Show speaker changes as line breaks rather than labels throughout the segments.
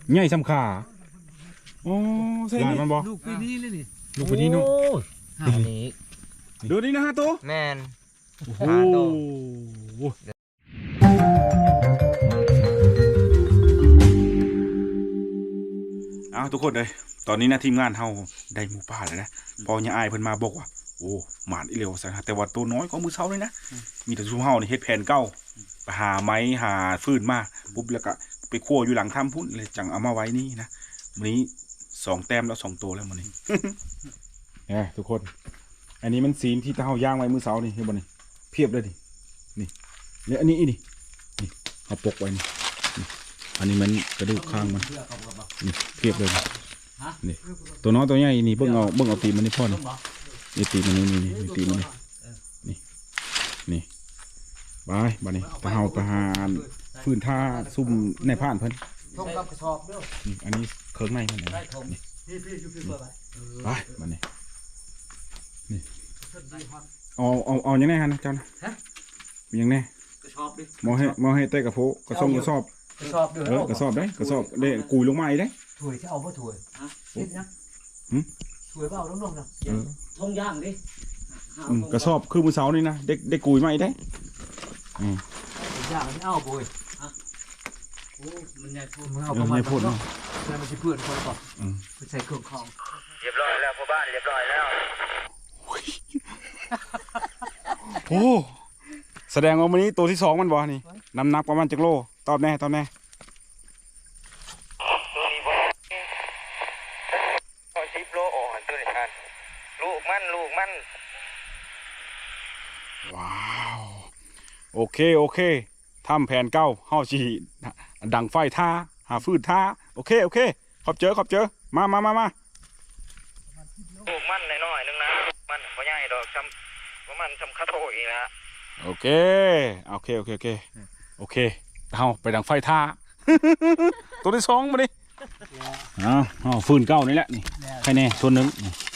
ใหญ่สำขาโอ้ใช่มันบ่
ลูกปีนี้เลยนี่
ลูกปีนี้เนาะ
หานี้
ดูนี่นะฮะตัว
แมน
โอ้โหทุกคนเลยตอนนี้นะทีมงานเฮาได้หมูป่าแล้วนะพอเนี่ยอายเพิ่นมาบอกว่าโอ้หมานอีเหลียวซะนะแต่ว่าตัวน้อยก็มือเช้าเลยนะมีแต่ซุ่มเฮานี่เฮ็ดแผนเก่าไปหาไม้หาฟืนมาปุ๊บแล้วก็ไปคั่วอยู่หลังถ้ำพุ่นเลยจังเอามาไว้นี่นะมื้อนี้2 แต้มแล้ว2 ตัวแล้วมื้อนี้ ทุกคนอันนี้มันซีนที่เฮาย่างไว้มื้อเช้านี่เห็นบ่นี่เพียบเลยนี่เนี่ยอันนี้นี่เอาปกไว้นี่อันนี้มันกระดูกข้างมันนี่เพียบเลยนี่ตัวน้อยตัวใหญ่นี่เบิ่งเอาตีมันนี่พ่อนี่ตีมันนี่ตีมันนี่ไปบ้านนี้ตะเฮาไปหาฟืนท่าซุ่มในผ่านเพิ่น
ทงกับกระสอบเด้อ
นี่อันนี้เครื่องในมันนี่
พี่อยู่เปิดไป
บ้านนี้นี่เอาอย่างแน่ฮะนะเจ้านะอย่างแน่
กระสอบดิ
มอให้เตะกระโผกระสอบ
กระสอบเด้อก
ระสอบได้กระสอบได้กุยลงมาอีกได้
ถวยที่เอาบ่ถวยนิดนะถวยเปล่าลงๆนะทงย่างดิ
กระสอบคือมือเสานี่นะได้กุยมาอีกได้
ย่างมันเอาบุยโอ้มันใหญ่พูดมันเอา
ประมาณพูดเนาะ
มันจะเพื่อนคนก่อนใส่เครื่องคอง
เรียบร้อยแล้วพ่อบ้านเรียบร้อยแล้ว
โอ้แสดงว่าวันนี้ตัวที่2มันบ่นี่น้ำหนักประมาณจักโลตอบแน่
ตัวนี้พอ10 โลอ่อนตัวนี้ท่านลูกมัน
ว้าวโอเคทำแผนเก้าเฮาสิดังไฟท่าหาฟืนท่าโอเคขอบเจอมา
ลูกมันน้อยๆนึงนะมันบ่ใหญ่ดอกประมาณคาโตอีกนะ
โอเคเฮาไปดังไฟท่า ตัวที่2มาดิเอาฟืนเก้านี่แหละนี่ใครแน่ส่วนหนึ่ง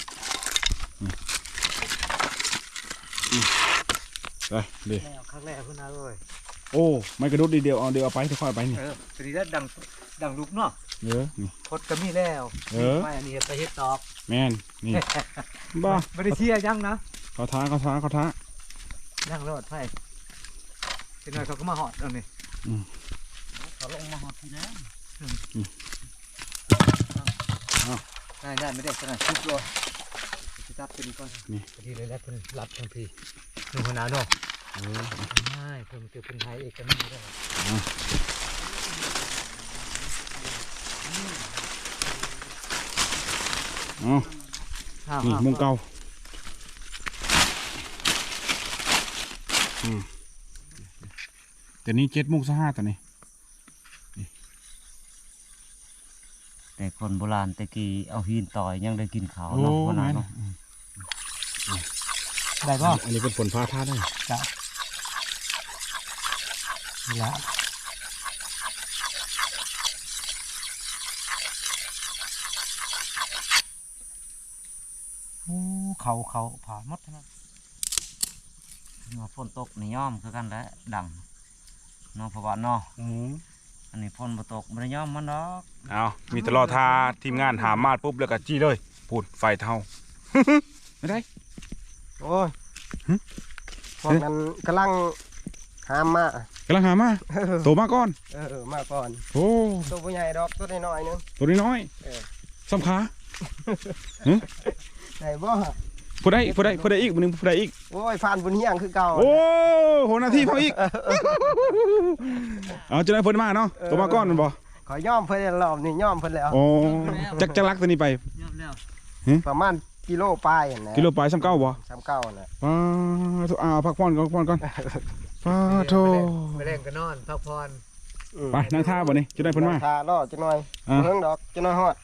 ไปดิ
ครั้งแรกเพิ่นเอาเลย
โอ้ไม่กระดุดดีเดียวเอาไปค่อยไปนี่
ตัวนี้ดังลุกเนาะ
นี่
พดก็มีแล้วไม่อันนี้ไปเฮ็ดตอบ
แม่นนี่บ้า
ไม่ได้เชียร์ยังนะ
เขาท้า
ยังรอดไฟเป็นหน่อยเขาก็มาหอดเอานี่เขาลงมาหอดทีแล้วได้ไม่ได้ขนาดชุดเลยจะจับตัวนี้ก่อนนี่ทีเลยแล้วเพิ่นรับทันทีหนึ่งคนหนาเนาะไม่เพิ่นเกิดเป็นไทยเอกกันไม่ได้
นี่มุงเก่าแต่นี้7:05ตอนนี้
แต่คนโบราณตะกี้เอาหินต่อยยังได้กินขาวเนาะโบราณเนาะได้ป่ะ
อันนี้เป็นผลฟ้าท่าได้
จ้ะนี่ละโอ้เขาผ่ามัดนะฝนตกในย่อมคือกันแล้วดังเนาะเพราะว่าเนาะอันนี้ฝนบ่ตกบ่ได้ย่อมมันดอก
เอามีตลอดทาทีมงานหามาดปุ๊บแล้วก็จี้เลยพูดไฟเท่าไม่ได้
โอ้ยพวกนั้นกำลังหามา
โตมาก่อน
มาก่อน
โอ้
ตัวผู้ใหญ่ดอกตัวน้อยนึง
ตัวน้อยสำคัญ
ไหนบ่
ผู้ใดอีกมึงผู้ใดอีก
โอ้ยฟานบุญเฮียงคือเก่า
โอ้โหนาทีเขาอีกเอาจะได้เพิ่นมาเนาะตัวมาก้อนมันบ่
ขอย่อมเพิ่นรอบนี่ย่อมเพิ่นแล้ว
โอ้จักรักตัวนี้ไป
ประมาณกิโลปลายนะ
กิโลปลาย39บ่
39น่ะ
พักผ่อนก่อนป้าโธ่
ไปเล่นกันนอนพักผ่อน
ไปนั่งท่าบ่นี่จะได้เพิ่นมา
ท่ารอจักหน่อยเพิ่งดอกจักหน่อยฮอด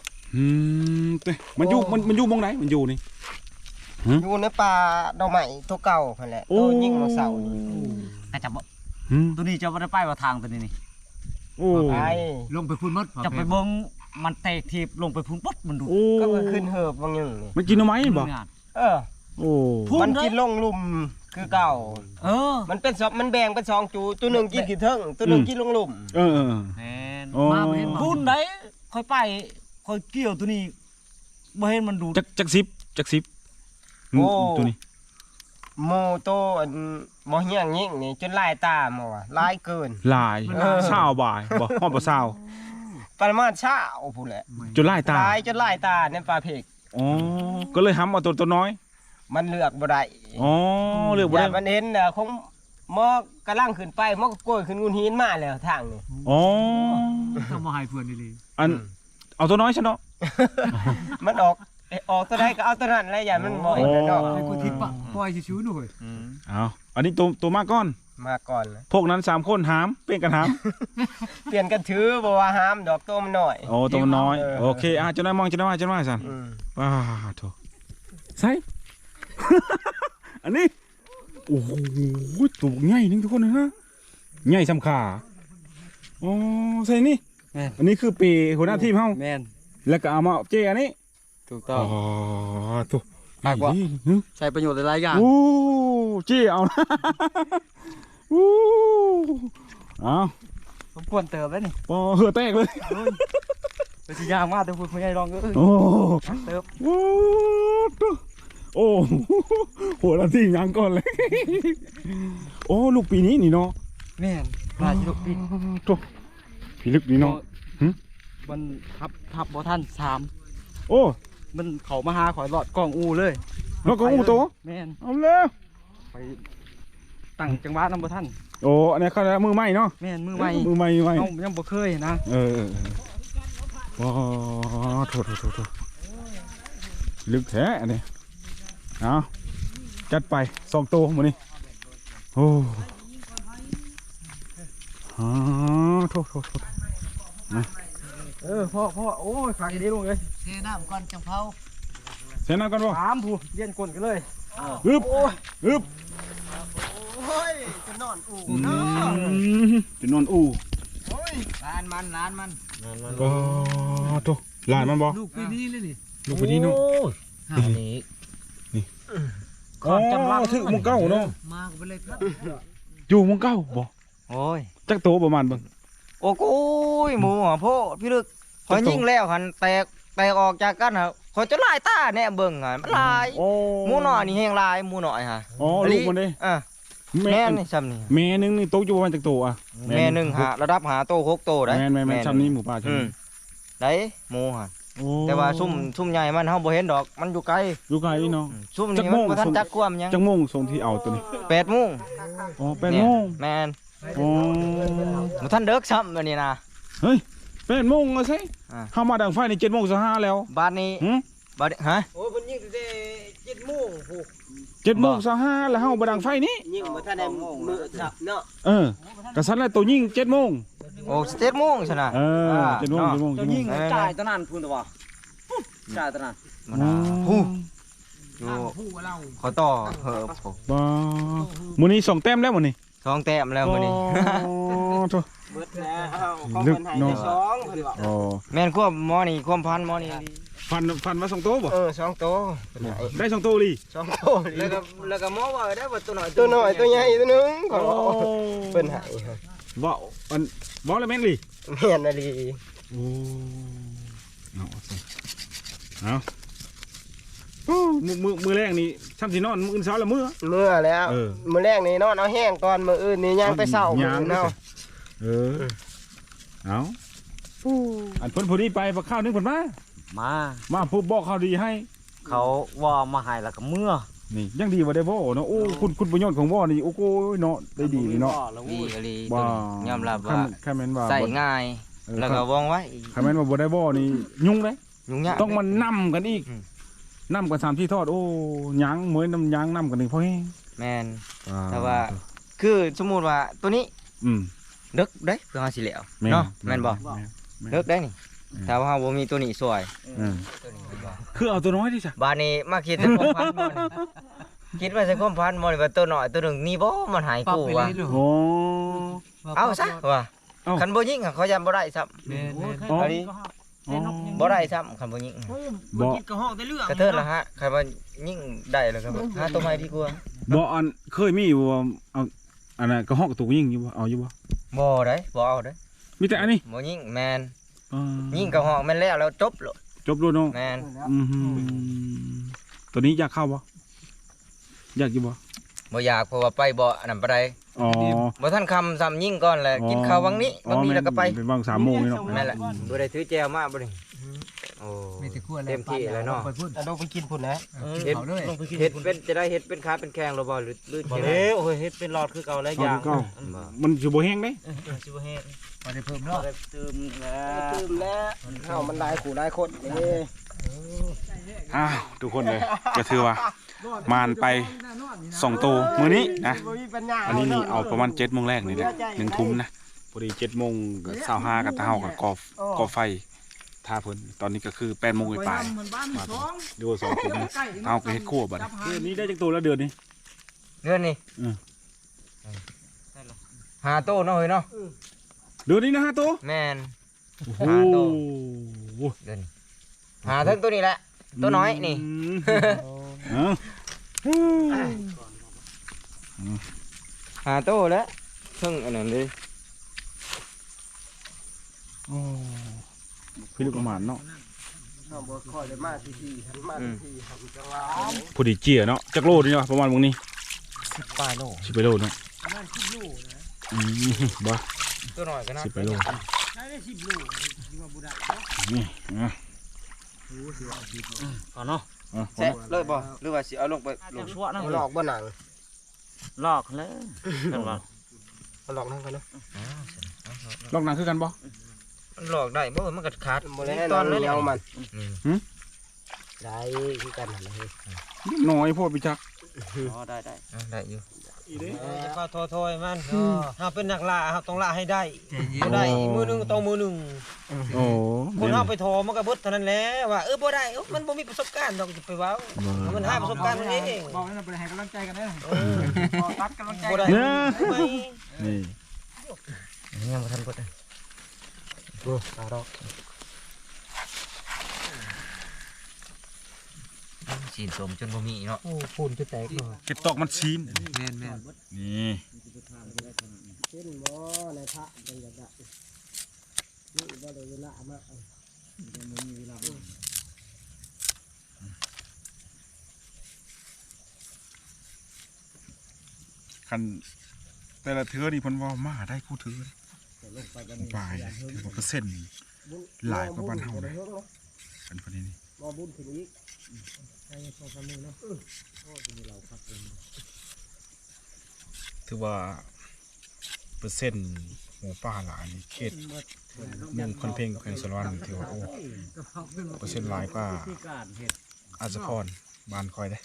มันอยู่มองไหนมันอยู่นี่
อยู่ในป่าดอกไม้ตัวเก่านั่นแหละตัวยิ่งมาเสา
แต่จับตัวนี้จะไม่ได้ไปว่าทางตัวนี้นี่
ไป
ลงไปพุ่นมดจะไปเบิ้งมันเตะทีบลงไปพุ่นปุ๊บมันดู
ก็ขึ้นเหิบบางอย่าง
มันกินเอาไหมบ่
มันกินลงลุ่มคือเก่ามันเป็นมันแบ่งเป็น2จูตัวหนึ่งกินขี้เทิงตัวหนึ่งกินลงลุ่ม
น
โอ้
มาบ่เห็น
บุญไหนค่อยไปค่อยเกี่ยวตัวนี้บ่เห็นมันดูด
จักสิบ
โอ้
ตัวนี้
โมโตอันบ่เฮียงยิ่งนี่จนลายตาหมอลายเกิน
ลายเศร้าบ่ายบ่ฮอดบ่เศร้า
ประมาณเช้าพู้นแหละ
จนลายตา
ลายจนลายตาในปลาเพก
อ๋อก็เลยห้ำเอาตัวน้อย
มันเลือกบ่ได้
อ๋อเลือกบ่
อย่า
ได้
มันเห็นน่ะคงหมอกำลังขึ้นไปหมอก็โกยขึ้นงูหินมาแล้วทางนี่
อ๋อ
ทำมาให้เพื่อนนี่เลย
อันเอาตัวน้อยซะเนาะ
มันออกตัวใดก็เอาตัวนั้นแหละอย่ามันบ่เห็นเนาะ
ให้กูทิศปะปล่อยชิวๆหน่อย
เอาอันนี้ตัวมาก่อน
มาก่อนเลย
พวกนั้น3คนหามเปลี่ยนกันหาม
เปลี่ยนกันถือบ่ว่าห้ามดอกตัวมันน้อย
โอ้ตัวมันน้อย
เออ
โอเคจะได้มองสั่น
อืม
ว้าโถใส่ อันนี้โอ้โหตัวใหญ่นึงทุกคนนะใหญ่สำขาอ๋อใส่นี่อันนี้คือปีหัวหน้าทีมเฮา
แม่น
แล้วก็เอามาเจอันนี้
ถูกต้อง
อ๋อตัว
มากกว่า
นี่
ใช้ประโยชน์หลายๆอย่าง
โอ้เจเอานะ โอ้เอา
ผมควรเติมแล้วนี่
ปอเหือแตกเลย
ไปสิยากมากแต่คุณไม่ได้ลองก็เอ้ย
โอ้
เติม
โอ้ตัวโอ้หัวหน้าทีมยังก่อนเลย โอ้ลูกปีนี้นี่เนาะ
แม่นลายชิลุกปี
ตัวพี่ลึกนี่เนาะ
มันทับบ่ทัน3
โอ้
มันเขามาหาข่อยหลอดกล้องอูเลย
แล้วก็อู้โต
แม่น
เอาแล้ว
ไปตั้งจังหวะนำบ่ทัน
โอ้อันนี้เขาเรียกมือใหม่เนาะ
แม่นมือใหม่
มือใหม่
เฮายังบ่เคยนะ
เออว้าโถลึกแท้อันนี้เอาจัดไป2ตัวหมดนี่โอ้โถ
พ่อโอ้ยฝากอีดีลงเลย
เทน้ำก่อนจังเผา
เส้นน้ำกันบ่
ถามผู้เลี้ยนกลนกันเลย
อึบอึบ
โอ้ยจะนอนอู่
จะนอนอู่
ร้านมัน
ก็โถลายมันบ่
ลูกปีนี้เลยนี่
ลูกไปนี่เนาะ
หานี้
อ๋อถึงมึงเก้าเนาะ
มาก็ไปเลยครับ
อยู่มึงเก้าบ่
โอ้ย
จักโตประมาณเบิ่ง
โอ้โก้ยหมูหัวโพพี่ลึกขอยยิงแล้วหันแตกออกจากกันฮะขอยจะลายตาแน่เบิ่งอ่ะมันลาย
โอ้
หมูหน่อยนี่แห้งลายหมูหน่อยฮะ
อ๋อลูกมันเด้
อ่ะแม่นี่ซ้ำนี่
แม่นึงนี่โตอยู่ประมาณจักโตอ่ะ
แม่หนึ่งหาระดับหาโต6โตได้
แม่ซ้ำนี้หมูป่า
อื
ซ้ำ
ม
นี้
ได้หมูฮะ
โอ้
แต่ว่าซุ่มใหญ่มันเฮาบ่เห็นดอกมันอยู่ไกล
อยู่ไกลเนาะ
ซุ่ม
จั
นี่
กโม
มัน
ง
บ่ทันจักความหยัง
จักโมงส่งที่เอาตัวนี้
8 โมง
อ๋อ8โมง
แม่น
อ๋อ
บ่ทันเด็กซ้ำอันนี้นะ
เฮ้ย8โมงแล้วใช่
อ่า
เฮามาดังไฟนี่7โมง25แล้ว
บ้านนี้
หึ
บ้านนี้ฮะ
โอ้ยเพิ่นยิงตั้งแต่7:00นโห
7โมง25แล้วเฮามาดังไฟนี่
ยิงบ่ทันได้มือสับเนาะ
กระสันแล้วตัวยิง7โมง
โอ้7 โมงซั่นน่ะ
7โมง7โมง
ตัวยิงจ่ายตะนั้นพูนตัวจ่ายตะนั้น
มันน่ะฮู้อยู่
ผู้เรา
ขอต่อเหอะ
บ่มื้อนี้2แต้มแล้วมื้อนี้
2 แต้มแล้วมื้อนี้
โธ่
เบิดแล้วของ
ลึก
เพิ่นให้
เนาะ
ได้2เพิ่นว่า
อ๋อ
แม่นควบหมอนี่ความพันหมอนี่
ฟันว่า2โตบ่
2โตเพิ่นให้
ได้2โตลี
2โต
แล้วก็หมอว่าได้ว่าตัวน้อย
ตัวน้อยตัวใหญ่ตัวหนึงก็เพิ่นให้
บ่อันบ่แล้วแม่นลี
แม่นอะลี
โอ้เอาโอ้มือแรกนี่ซ้ำสินอนมื้ออื่นเช้าละมื้อ
เมื่อแล้ว
เออ
มื้อแรกนี่นอนเอาแห้งก่อนมื้ออื่นนี่ย่างไปเช้ามื้
ย่าง
อเนาะ
เอาอันเพิ่นผู้นี้ไปบักข้าวนึงเพิ่นมาผู้บอกข่าวดีให้
เขาว่ามาให้แล้วก็เมื่อ
นี่ยังดีว่าได้บ่เนาะโอ้คุณประโยชน์ของบ่นี่โอ้โหเนาะได้ดีเนาะ
ดีอลี
บ่
ยอมรับว่า
แค่แม่นว่า
ใส่ง่ายแล้วก็ว่องไว้
แค่แม่นว่าบ่ได้บ่นี่ยุ่งเด้
ยุ่งยาก
ต้องมานํกันอีกนํกัน3ที่ทอดโอ้ยางเหมือนน้ำยางนํกันนี่พอแฮง
แม่นแต่ว่าคือสมมุติว่าตัวนี้
อืม
ดึกเด้เพื่อเฮาสิแล้วเนาะแม่นบ่ดึกได้นี่ถ้าว่าเฮาบ่มีตัวนี้ช่วย
คือเอาตัวน้อยดิจ้ะ
บ้านนี้มาคิดถึงความพันบ่นี่คิดว่าสิความพันบ่นี่ว่าตัวน้อยตัวหนึงนี่บ่มันหาย
ปรับ
กู
ไป
ว่ะ
เลย
โอ้
เอาซะว่ะ
เอ้า
คันบ่ยิงอะเขายันบ่ได้ซ้ำ
แม่น
อ๋อ
อันนี้บ่ได้ซ้ำคันบ่ยิง
บ่
กินกระห้องได้เรื่อง
กระเทิดละฮะคันว่ายิงได้แล้วก็หาตัวใหม่ดีกว่า
บ่อันเคยมีอยู่ว่าเอาอันนั้นกระหอกกระตุกยิงอยู่บ่เอาอยู่บ่
บ่ได้บ่เอาได้
อมีแต่อันนี้
บ่ยิงแมน
อ่า
ยิงกระหอกแม่นแล้วจบโลด
จบด้วยเนาะ
แมน
อือหือตัวนี้อยากเข้าบ่อยากอยู่บ่
บ่อยากเพราะว่าไปบ่อันนั้นบ่ได้
อ๋อ
บ่ทันคำซ้ำยิงก่อนแหละกินข้าววังนี้วังนี้แล้วก็ไป
เป็นวัง3 โมงนี่เนาะ
แม่นแหละบ่ได้ถือแจวมาบ่นี่โอ้
มีแต่ขั้ว
เต็มที่แล้วเนาะ
ไปพุ่น
แต่ต้องไปกินพุ่นนะ
เฮ็ด
เขาด้วย
เฮ็ดเป็นจะได้เฮ็ดเป็นขาเป็นแข้งหรือบ่หรือ
บ่
จังได๋
แล้วโอ้ยเฮ็ดเป็นหลอดคือเก่าแล้ว
เอา
ยาง
เก่ามันสิบ่แห้งเด้
สิบ่เฮ็ด
พอได้เพิ่มเนาะ
ได้เติมแล้ว
ตื่มแล้วเฮามันหลายขู่หลายคนนี่
อ้าวทุกคนเลยก็ถือว่ามานไป2 ตัวมื้อนี้นะ
บ่มีปัญญา
อันนี้นี่เอาประมาณ7 โมงแรกนี่แหละ1 ทุ่มนะพอดี7 โมงก็25กับเฮากับก่อไฟท่าเพิ่นตอนนี้ก็คือ8 โมงปลายมาดู2 ทุ่มเฮาก็เฮ็ดครัวบัดเดือนนี้ได้จักตัวแล้วเดือนนี้
เดือนนี้หาโตเนาะเฮ้ยเนาะ
เดือนนี้นะฮะตัว
แม่น
โอ้โห
หาตัว เดือนนี้หาทั้งตัวนี้แหละตัวน้อยนี่
เอ้า
หาโตแล้วเพิ่งอันนั้นเลย
โอ้พี่ลูกประมาณเนาะ
เฮาบ่ค่อยได้มาที่ๆหันมาที่ๆหันจังหวะ
พอดีเจียเนาะจักโลนี่เนาะประมาณวงนี้
ปลายโล
10 ไปโลเนาะบ่
ตัวน้อยก็น่า
10 ไปโลนี่อ่ะ
ก่อนเนาะ
อ่ะ
แซะเลยบ่หรือว่าสิเอาลงไปล
ลู
ง
กชั่วนะ
หลอกบ่หนัง
ลอกแล้วกันว่า
หลอกนั่นกันเนาะ
ลอกหนังคือกันบ่
หลอกได้บ่มันก็ขาด
บ่ได้
ต
ต
อ
อน น
เลย
เหนี
เนี่ย
ยวมัน
หืม
ได้คือกันนั่นแหละเฮ้ย
น้อยโพดพี่จัก
อ๋อได้
ได้อยู่
จะก็โทษมันเฮาเป็นนักล่าเฮาต้องล่าให้ได้บ่ได้มือนึงต้องมือนึง
โอ้
คนเฮาไปโทรมันก็เบิดเท่านั้นแหละว่าบ่ได้มันบ่มีประสบการณ์ดอกจะไปเว้ามันหาประสบการณ์มันเอง
บอกให้เราไปให้กำลังใจกันเด้อ
ตัดกำลังใจบ่ได้
เนี่ย
ไม่
นี่
ยังบ่ทันเบิดเลย
โอ้ตาดอก
สีนสมจนบ่มีเนาะ
โอ้ปูนจะแตกเนาะ
เก็บตอกมันซีน
แม่น
นี่
เช่นบ่ในพระจังอยากได้นี่บ่ได้เวลามา
คันแต่ละเทือนี่เพิ่นว่ามาได้คู่ถือปลายถือว่าเปอร์เซ็นต์หลายกว่าบ้านเฮาเลยกันพอดีนี่
บ่บุญขึ้นอีก
ถือว่าเปอร์เซ็นต์หมูป่าหลายนี่เขตเมืองคอนเพ่งแขวงสารวัตรนี่ถือว่าโอ้เปอร์เซ็นต์หลายกว่าอาจจะพรบ้านคอยได้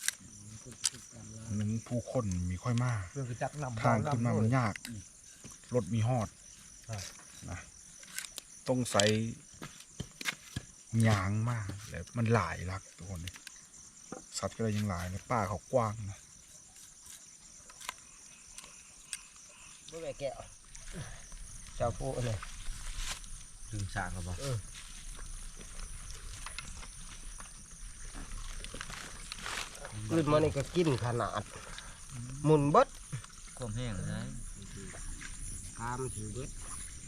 นั้นผู้คนมีค่อยมาก
เพื่อไปจักนำ
ทางขึ้นมามันยาก รถมีฮอดนะต้องใส่ยางมากแล้วมันหลายลักทุกคนเลยสัตว์ก็เลยยังหลายเลยป่าเขากว้างนะ
บ่ได้แก้วเจ้าผู้เลยลืมสร้างก็บ่
ขึ้นมานี่ก็กินขนาดหมุนเบิด
ความแห้งเลย
ตามถือเบิด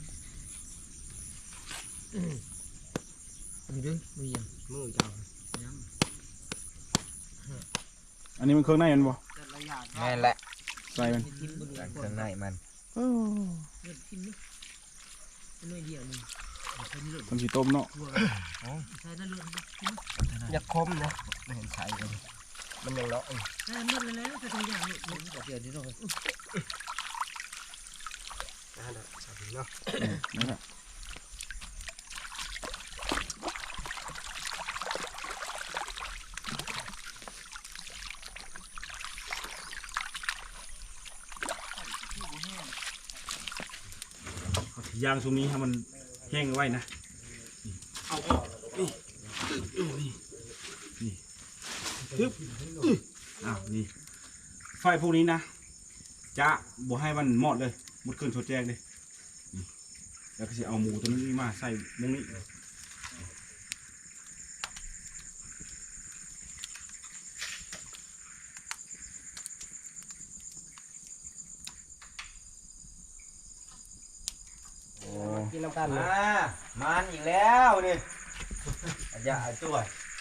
มีด้วยมีอย่าง
มือเจ้า
อันนี้มันเครื่องในมันบ่
แม่นแหละ
ใส่มัน
ข้างในมัน
มันสีต้มเนาะ
อยากคมนะไม่เห็นใส่เลยมันยังเลาะอยู่นั่นแหละใส่เนาะ
นั่นแหละยางตรงนี้ให้มันแห้งไว้นะเอาออกนี่นี่ทึบอ้าวนี่ไฟพวกนี้นะจะบ่ให้มันหมดเลยหมดเครื่องชดแจ้งเลยนี่แล้วก็จะเอาหมูตัวนี้มาใส่ตรงนี้
กินน้ำกันเลย
มันอีกแล้วนี่อย่าช่วย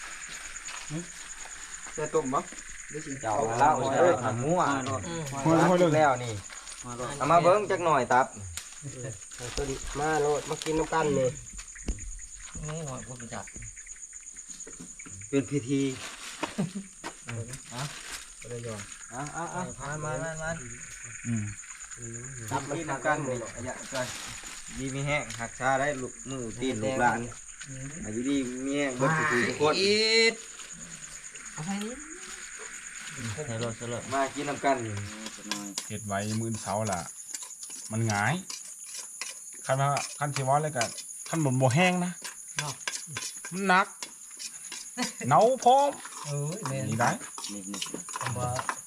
จะต้มบ่
เจ้าเล่าเอ้ยทำมั่วแล้วนี่เอามาเบิ้งจักหน่อยตับ
ตัวนี้มาโลดมากินน้ำกันเลย
นี่หอยบ่รู้จัก
เป็นพิธี
บ่ได้ยอม
มา
อืม
ตับกินน้ำกันนี่อย่าช่วยดีมีแห้งหักชาได้ลูกมือตีนลูกหลานอายุดีมีแห้งเบิดทุกคน
เอาให้นี่ใส่รถใส่รถ
มากินน้ำกัน
เฮ็ดไว้มื้อเช้าล่ะ มันหงายคันว่าคันสิว่าเลยก็คันบ่แห้งนะมันหนักเหนาพร้อม
แม่น
นี่ได้
คำว่า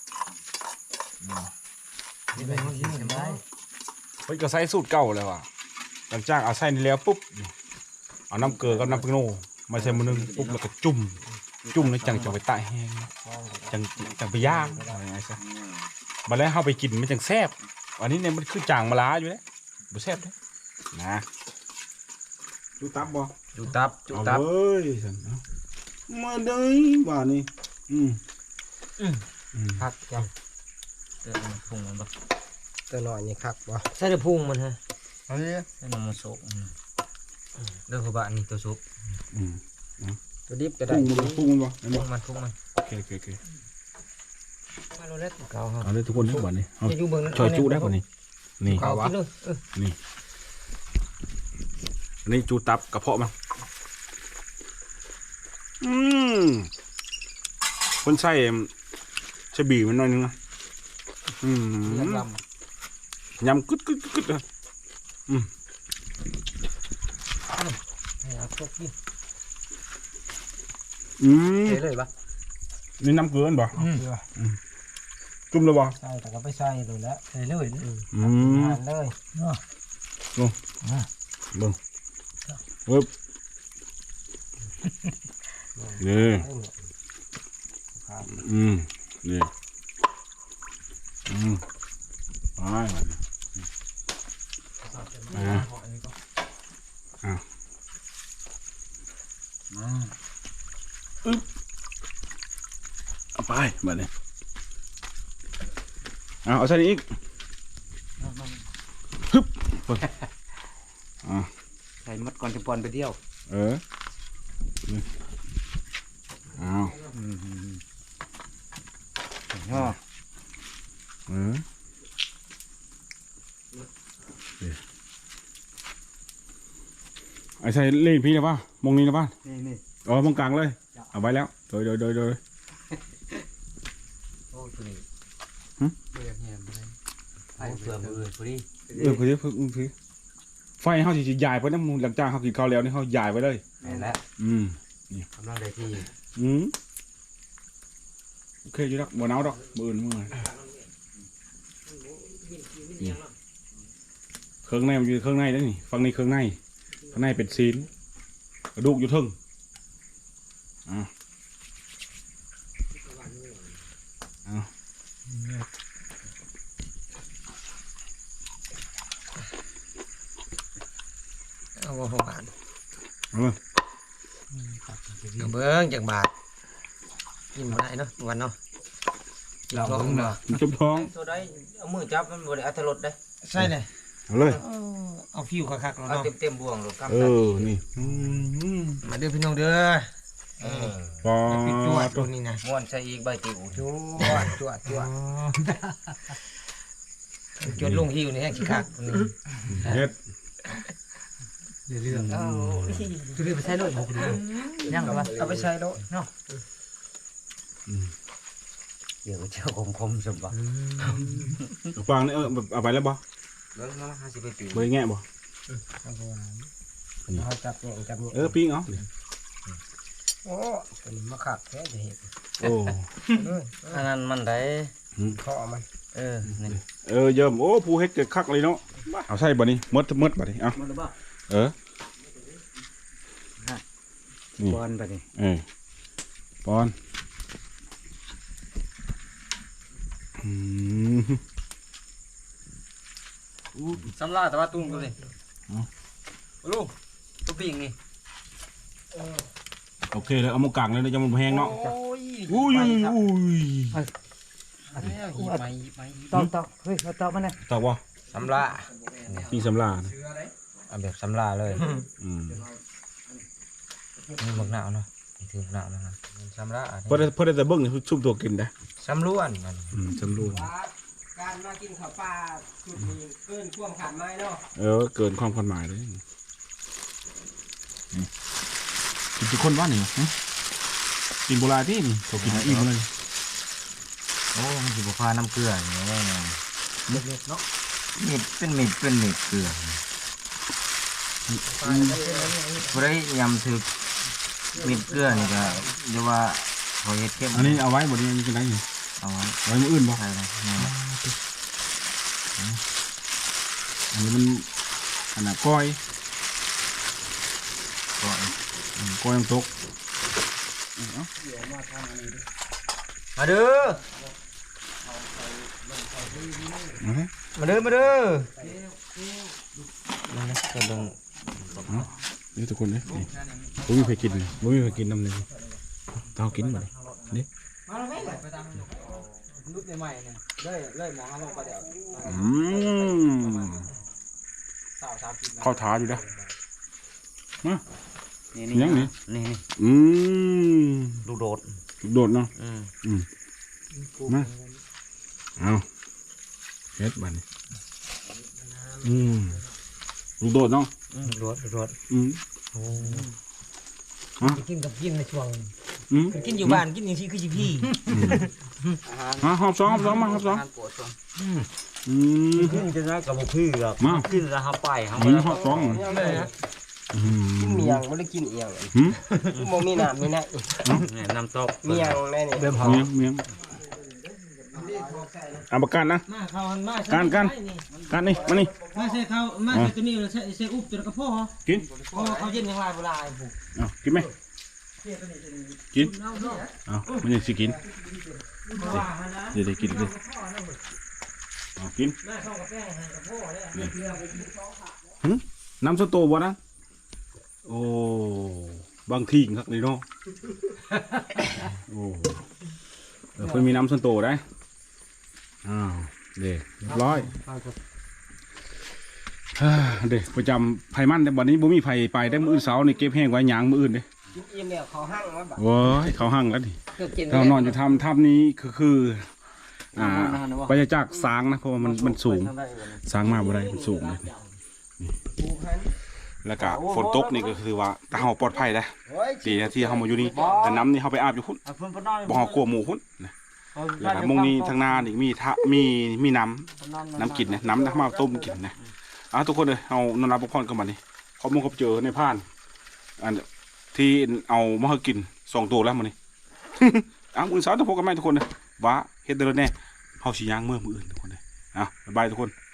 นี่เป็นคนที่เห็นได้
เพิ่นก็ใส่สูตรเก่าเลยว่ะหลังจากเอาใส่นี่แล้วปุ๊บเอาน้ำเกลือกับน้ำพริกโน่มาใส่มื้อนึงปุ๊บแล้วก็จุ่มแล้วจังไปตากแห้งจังไปย่างอะไรอย่างเงี้ยซะบัดแล้วเฮาไปกินมันจังแซ่บอันนี้เนี่ยมันคือจางมะลาอยู่เด้บ่แซ่บเด้นะดูตับบ่
จุตับ
เอาเว้ยซั่นเอามาเด้อว่านี่
พักจัง
เติมพุงมันบ่
ตัวหน่อยนี่คักบ่
ใส่แต่พุงมันฮะ
เอาดิ
ใส่น้ำมันโซก
เด้อพ่อบ้านนี่ตัวซุป
อืม
ตัวดิบก็ได้
พุ่งมันบ่เห็น
พุ
บ่
งมันพุงมัน
โอเค
มาโลเล็ด
เกาครับ
เอาเลยทุกคนทุกวันนี้เอา
จะอยู่เบิ่งนั้น
ช่วยจูได้ป่ะนี่นี่
เอากินเลย
อันนี้จูตับกระเพาะมันคนใส่บีมันหน่อยนึงนะยำกึดเลย
ให้เอาพวกกิน
เทเลยปะ
นี่น้ำเกลือบ่จุ่มเลยบ่
ใส่แต่ก็ไปใส่เลยแล้ว
ใส่เลยนะ
หั่นเลย
เบิ่งเว็บนี่นี่ไปเอาไปแบบนี้เอาใส่อีกฮึบ
ใส่มัดก่อนจะปอนไปเที่ยว
เอา
ย่อ
ไอ้ใส่เล่พี่นะป่ะมองนี้นะป่ะ
นี่
อ๋อมองกลางเลยเอาไว้แล้วโดย
โอ้ตัวนี้เบื่อแหมเลยไอ้เบื่อมือพอดี
คือไฟเขาสิใหญ่ไปนะมึงหลังจากเขากินข้าวแล้วนี่เขาใหญ่ไปเลย
แม่นแล้ว กำลังได้ที่
โอเคอยู่ดอกบ่หนาวดอกบ่อื่นมื้อเครื่องในมันอยู่เครื่องในแล้วนี่ฝั่งนี้เครื่องในข้างในเป็นซีนกระดูกอยู่ทึ่ง
เอาบ่หวาน
เอาเบิ่ง
เอาเบิ่งจากบาทกินบ่ได้เนาะวันเนาะเราเบิ่งเนาะ
มันจุ่มท้อง
ตัวได้เอามือจับมันบ่ได้อัตลดได้
ใช่เลย
เอาเลย
เอาฟิวคักๆแล้ว
เอา
เนาะ
เต็มบ่วงหรอกครับ
นี่
มาเด้อพี่น้องเด้อ
ปอ
ปิดจวดตัวนี้นะ
ม้วนใส่อีกใบติ๋ว
จั่ว
จวดลงหิวนี่แห้งขี้คักตัวนี้
เฮ็ด
เรื่อง
คือไปใช้เลยบ่คุณยังบ่
เอาไปใส่โลด
เดี๋ยวเจ้าคมๆสมบัติ
ฟังนี่เอาไปแล้วบ่
เบิ่งมาหาสิไปปี
บ่แง่บ่
เอาจับเนี่ย
ปิ้งเอา
โอ้ตัวนี้มาคักแท้จะเห็น
โอ้
อันนั้นมันได้
เคาะมัน
นี่
เยิ่มโอ้ผู้เฮ็ดเกิดคักเลยเนาะเอาใส่บ่นี่มดบ่นี่เอา
มันบ่
นี่
บอลไปนี่
ปอน
สำลาแต่ว่าตุ้งตัวนี้
ลูกตัวปิ่งนี่
โอเคเลยเอามากางเลยนะจะมันแพงเนาะ
โอ้ย
อุ้ยอุ้ย
ตอกเฮ้ยเราตอกมันนะ
ตอบว่า
สำลา
นี่สำลานะ
เอาแบบสำลาเลย
อืม
นี่บักหนาวเนาะนี่ถือบักหนาวนะครับสำลา
พอได้แต่เบิ้งนี่ชุ่มตัวกินได้
สำล้วนมัน
สำรวจ
การมากินข้าวปลาสุดนี้เกินความขาดไม้เนาะ
เกินความคาดหมายเลยกินทุกคนว่านี่กินโบราณที่นี่เขากินอิ่มเลย
โอ้มันสิบพาน้ำเกลืออย่างเงี้ยเม็ดเนาะเม็ดเป็นเม็ดเกลือพอได้ยำถึกเม็ดเกลือนี่ก็เรียกว่าพอเฮ็ดเข้ม
อันนี้เอาไว้บนนี้ยังกินได้อยู่
เอาไว้
ไว้มืออื่นบ่
ใช่เลยนี่
อันนี้มันอันน่ะก้อย
ก็
ก้อยน้ำตก
มาเด้อมาเด้อมาเด้อนั่นนะก็ต้อง
นี่ทุกคนเนี่ยนี่บ่มีใครกินเลยบ่มีใครกินน้ำเลยเต้ากินมาเลยนี่
มาแล้วแม่ไปตามรุ่นใหม่ๆเนี่ยเลยมองลงไปเดี๋ยว สาว30
เข้าท้าอยู่นะมา
นี่
ยังนี่
นี่
ลูก
โดด
โดดเนาะ
อืม
มาเอาเฮ็ดบัดนี้ลูกโดดเนาะ
โดด
กินกับกินในช่วง
อืม
กินอยู่บ้านกินอย่างที่คือพี่
หอบสองมาหอบสอง
ขึ้นจะได้กับพี่หรอก
มา
ขึ้นแล้วเขาไปเขา
หอบสอง
กินเมียงไม่ได้กินเอียงโมมีน้ำมีนะ
น้ำตก
เมียงแน่นี่
เมียงเอาประกันนะ
มาเขามา
กันนี่มานี่
มาใส่เขามาใส่ตัวนี้ใส่อุบตัวกระเพาะ
กิน
เพราะเขาเย็นอย่างไรโบราณผูก
เอากินไหมกินเอามันยังสิกินเดี๋ยวกินเลยเอากินน้ำสโตวะนะโอ้บางทีครับนี่เนาะโอ้เพิ่งมีน้ำสโตได้อ้าวเด็กเรียบร้อยเด็กประจำไผ่มันแต่วันนี้บ่มีไผ่ไปได้มื้ออื่นเสาร์นี่เก็บแห้งไว้ยางมื้ออื่นเด้
กินเอียงเนี่ยเขาหั่งว่าแบบ
โว้ยเขาหั่งแล้วดิ
เกิดกิน
เรานอนอยู่ถ้ำนี้คือไปจากสางนะเพราะว่ามันสูงสางมาบ่ได้มันสูงเลยแล้วก็ฝนตกนี่ก็คือว่าถ้าเฮาปลอดภัยได้ดีนะที่เฮามาอยู่นี่แต่น้ำนี่เฮาไปอาบอยู่พุ่นบ่เฮากลัวหมู่พุ่นนะแล้วก็มงนี้ทางนานี่มีน้ำกินนะน้ำมาต้มกินนะทุกคนเลยเอานอนรับพักผ่อนกันบัดนี้ขอบคุณเจอในผ่านอันที่เอามาให้กิน2ตัวแล้วมื้อนี้ มื้อเช้าต้องพบกันใหม่ทุกคนเลยว่าเฮ็ดเด้อแน่เฮาสิย่างมื้ออื่นทุกคนเลยบ๊ายบายทุกคน